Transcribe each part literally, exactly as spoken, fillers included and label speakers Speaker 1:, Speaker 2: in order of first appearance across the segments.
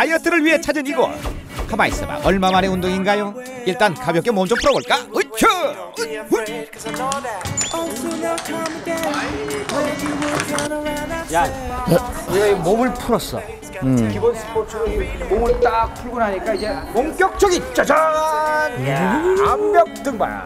Speaker 1: 다이어트를 위해 찾은 이곳. 가만히 있어봐. 얼마 만의 운동인가요? 일단 가볍게 몸 좀 풀어볼까? 으쌰!
Speaker 2: 야, 내가 몸을 풀었어.
Speaker 3: 음.
Speaker 2: 기본 스포츠로 몸을 딱 풀고 나니까 이제 본격적인 짜잔! 야, 암벽 등반.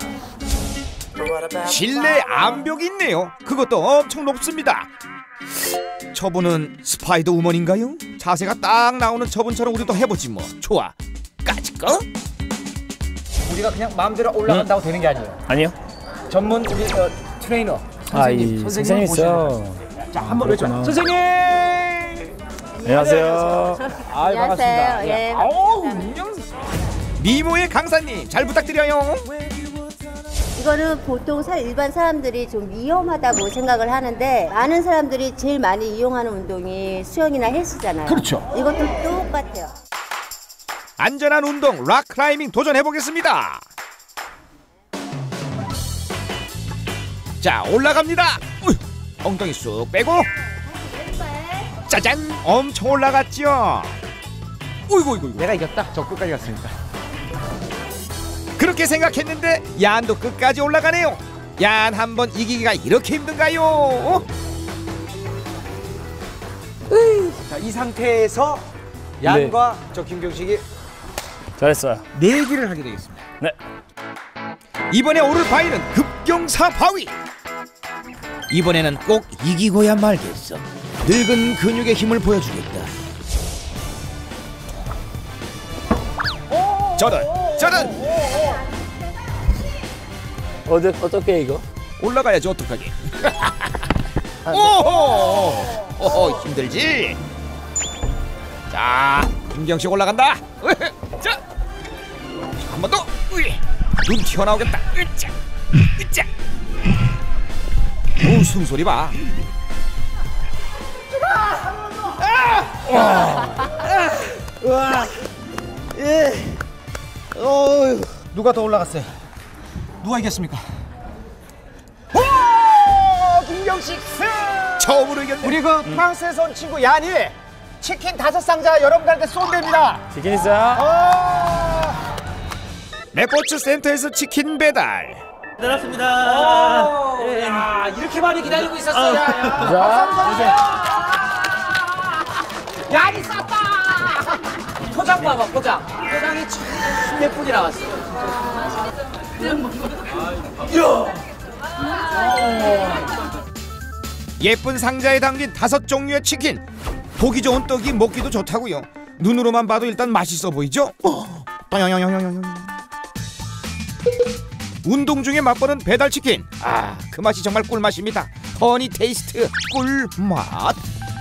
Speaker 1: 실내 암벽이 있네요. 그것도 엄청 높습니다. 저분은 스파이더 우먼인가요? 자세가 딱 나오는 저분처럼 우리도 해보지 뭐. 좋아. 까짓거?
Speaker 2: 우리가 그냥 마음대로 올라간다고 음? 되는 게 아니에요.
Speaker 3: 아니요.
Speaker 2: 전문 우리 어, 트레이너 선생님,
Speaker 3: 아, 이 선생님 있어요.
Speaker 2: 자, 한번 외쳐. 선생님.
Speaker 3: 안녕하세요.
Speaker 2: 아, 반갑습니다.
Speaker 4: 예.
Speaker 2: 아우, 민정.
Speaker 1: 미모의 강사님 잘 부탁드려요.
Speaker 4: 이거는 보통 사, 일반 사람들이 좀 위험하다고 생각을 하는데 많은 사람들이 제일 많이 이용하는 운동이 수영이나 헬스잖아요.
Speaker 2: 그렇죠.
Speaker 4: 이것도 똑같아요.
Speaker 1: 안전한 운동 락 클라이밍 도전해 보겠습니다. 자, 올라갑니다. 우이, 엉덩이 쑥 빼고. 짜잔, 엄청 올라갔죠. 어이구, 어이구,
Speaker 2: 내가 이겼다. 저 끝까지 갔으니까.
Speaker 1: 그렇게 생각했는데 얀도 끝까지 올라가네요. 얀 한 번 이기기가 이렇게 힘든가요? 어?
Speaker 2: 자, 이 상태에서 얀과 네. 저 김경식이
Speaker 3: 잘했어요.
Speaker 2: 내기를 하게 되겠습니다.
Speaker 3: 네.
Speaker 1: 이번에 오를 바위는 급경사 바위. 이번에는 꼭 이기고야 말겠어. 늙은 근육의 힘을 보여주겠다. 저런 저런
Speaker 3: 어디 어떻게 이거?
Speaker 1: 올라가야지 어떡하게. 오호 오호 힘들지. 자, 김경식 올라간다. 자, 한 번 더. 눈 튀어나오겠다. 으짜 으짜. 오, 숨소리 봐.
Speaker 2: 와, 예, 어, 누가 더 올라갔어요? 누가 이겼습니까? 오, 김경식 승!
Speaker 1: 처음으로 이겼네.
Speaker 2: 우리 그 프랑스에서 온 친구 얀이 치킨 다섯 상자 여러분들한테 쏜답니다.
Speaker 3: 치킨 있어요?
Speaker 2: 어,
Speaker 1: 레포츠 센터에서 치킨 배달.
Speaker 5: 기다렸습니다.
Speaker 2: 오,
Speaker 5: 예.
Speaker 2: 야, 이렇게 많이 기다리고 있었어요. 야, 야.
Speaker 3: 자,
Speaker 2: 얀이 쌌다. 포장 봐봐, 포장. 포장이 참 예쁘게 나왔어.
Speaker 1: 예쁜 상자에 담긴 다섯 종류의 치킨. 보기 좋은 떡이 먹기도 좋다고요. 눈으로만 봐도 일단 맛있어 보이죠? 어. 운동 중에 맛보는 배달 치킨. 아, 그 맛이 정말 꿀맛입니다. 허니 테이스트 꿀맛.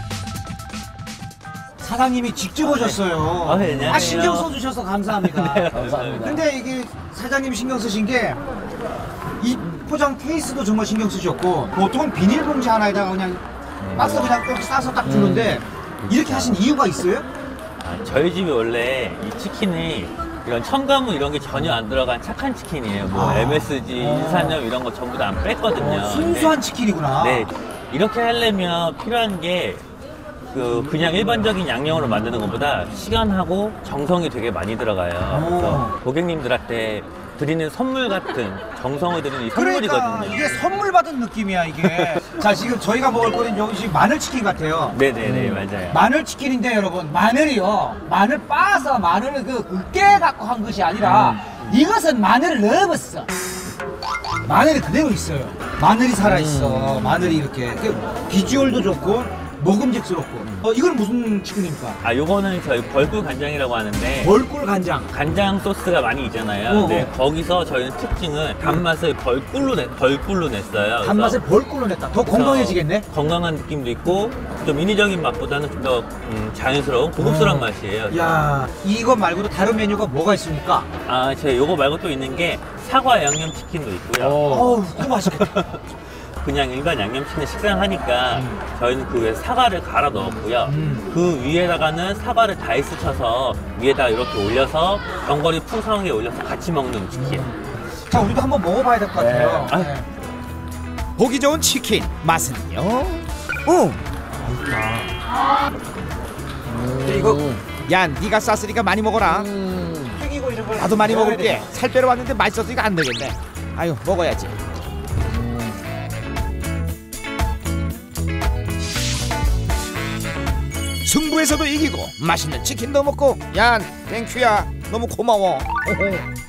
Speaker 2: 사장님이 직접 오셨어요.
Speaker 5: 아, 네, 안녕하세요.
Speaker 2: 아, 신경 써주셔서 감사합니다.
Speaker 5: 네, 감사합니다.
Speaker 2: 근데 이게 사장님 신경 쓰신 게 이 포장 케이스도 정말 신경 쓰셨고, 보통은 비닐봉지 하나에다가 그냥 박스 그냥 꼭 싸서 딱 주는데 이렇게 하신 이유가 있어요?
Speaker 5: 아, 저희 집이 원래 이 치킨이 이런 첨가물 이런 게 전혀 안 들어간 착한 치킨이에요. 뭐
Speaker 2: 아.
Speaker 5: 엠에스지, 인산염 이런 거 전부 다 안 뺐거든요.
Speaker 2: 어, 순수한
Speaker 5: 네.
Speaker 2: 치킨이구나.
Speaker 5: 네, 이렇게 하려면 필요한 게 그 그냥 일반적인 양념으로 만드는 것보다 시간하고 정성이 되게 많이 들어가요. 그래서 고객님들한테 드리는 선물 같은 정성을 드리는 이 선물이거든요.
Speaker 2: 그러니까 이게 선물 받은 느낌이야 이게. 자, 지금 저희가 먹을 거는 여기 마늘치킨 같아요.
Speaker 5: 네네네, 맞아요.
Speaker 2: 마늘치킨인데 여러분, 마늘이요, 마늘 빻아서 마늘을 그 으깨 갖고 한 것이 아니라
Speaker 5: 음.
Speaker 2: 이것은 마늘을 넣어봤어. 마늘이 그대로 있어요. 마늘이 살아있어.
Speaker 5: 음.
Speaker 2: 마늘이 이렇게 비주얼도 좋고 먹음직스럽고. 어, 이건 무슨 치킨입니까?
Speaker 5: 아, 요거는 저희 벌꿀 간장이라고 하는데
Speaker 2: 벌꿀 간장.
Speaker 5: 간장 소스가 많이 있잖아요.
Speaker 2: 어,
Speaker 5: 근데
Speaker 2: 어.
Speaker 5: 거기서 저희는 특징을 단맛을 벌꿀로 내, 벌꿀로 냈어요.
Speaker 2: 단맛을
Speaker 5: 그래서
Speaker 2: 벌꿀로 냈다. 더 건강해지겠네.
Speaker 5: 건강한 느낌도 있고 좀 인위적인 맛보다는 좀 더 음, 자연스러운 고급스러운
Speaker 2: 어.
Speaker 5: 맛이에요.
Speaker 2: 야, 이거 말고도 다른 메뉴가 뭐가 있습니까?
Speaker 5: 아, 제가 요거 말고 또 있는 게 사과 양념 치킨도 있고요.
Speaker 2: 어우, 그거 맛있겠다.
Speaker 5: 그냥 일반 양념치킨 식사를 하니까
Speaker 2: 음.
Speaker 5: 저희는 그 위에 사과를 갈아 넣었고요.
Speaker 2: 음.
Speaker 5: 그 위에다가는 사과를 다이스 쳐서 위에다 이렇게 올려서 견과류 풍성하게 올려서 같이 먹는 치킨.
Speaker 2: 자, 우리도 한번 먹어봐야 될 것 같아요.
Speaker 5: 네.
Speaker 2: 네.
Speaker 1: 보기 좋은 치킨 맛은요? 어,
Speaker 2: 근데 이거
Speaker 1: 야 네가 쌌으니까 많이 먹어라.
Speaker 2: 튀기고 이런 걸
Speaker 1: 나도 많이
Speaker 2: 먹어야
Speaker 1: 먹을게.
Speaker 2: 돼.
Speaker 1: 살 빼러 왔는데 맛있어서 안 되겠네. 아유 먹어야지. 승부에서도 이기고 맛있는 치킨도 먹고 야 땡큐야 너무 고마워.